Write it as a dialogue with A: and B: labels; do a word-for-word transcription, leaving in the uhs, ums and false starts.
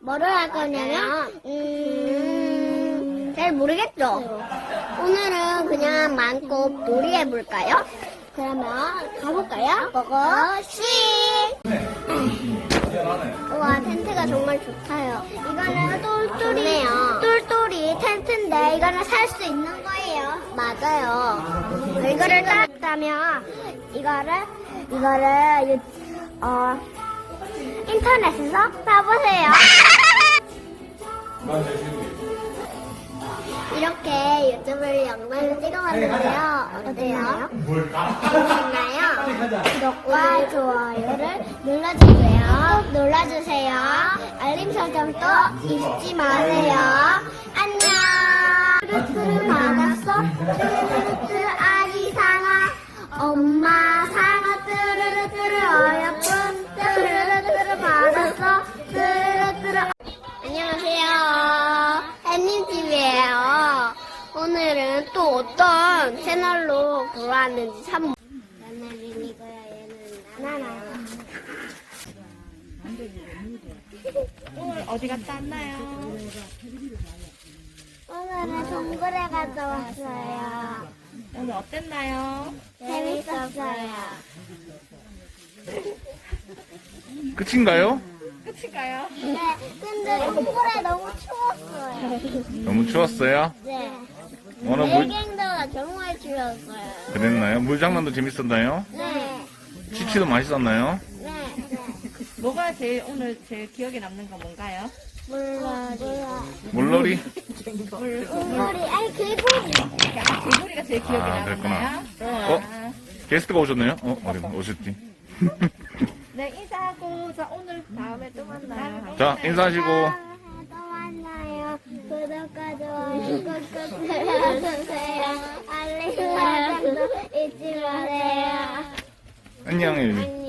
A: 뭐를 할 거냐면, 음, 잘 모르겠죠? 오늘은 그냥 마음껏 놀이 해볼까요? 그러면 가볼까요? 고고싱! 우와, 텐트가 정말 좋다요. 이거는 똘똘이, 똘똘이 텐트인데 이거는 살 수 있는 거예요. 맞아요. 이거를 따다면 이거를, 이거를, 유- 어, 인터넷에서 사보세요. 이렇게 유튜브 영상을 찍어봤는데요. 어때요? 재밌나요? 구독과 좋아요를 눌러주세요. 꼭 눌러주세요. 알림 설정도 잊지 마세요. 안녕. 뚜루뚜루 받았어. 뚜루뚜루 아기 상아. 엄마 상아 뚜루루뚜루 어여쁜 뚜루루뚜루 받았어. 뚜루루뚜루. 안녕하세요. 햇님티비예요. 오늘은 또 어떤 채널로 돌아왔는지 참. 나는 리니거야, 얘는 나나나.
B: 오늘 어디 갔다 왔나요?
A: 오늘은 동굴에 갔다 왔어요.
B: 오늘 어땠나요?
A: 재밌었어요.
C: 끝인가요?
B: 끝인가요?
A: 네, 근데 동굴에 너무 추웠어요.
C: 너무 추웠어요?
A: 네.
C: 오늘 물
A: 물갱도가 정말 추웠어요.
C: 그랬나요? 물장난도 재밌었나요?
A: 네.
C: 치치도 맛있었나요?
A: 네. 네.
B: 뭐가 제일 오늘 제일 기억에 남는 거 뭔가요?
A: 몰라, 몰라.
C: 물놀이?
A: 물놀이, 아니, 개구리.
B: 아, 개구리가 제일 기억에
C: 아,
B: 남았나요?
C: 어? 게스트가 오셨네요? 어? 어디 오셨지?
B: 네, 인사하고 자 오늘 다음에 또 만나요.
C: 자, 인사하시고.
A: 또 만나요. 구독과 좋아요 꾹꾹 눌러주세요. 알림 설정도 잊지 마세요.
C: 안녕, 혜윤이.
A: 안녕.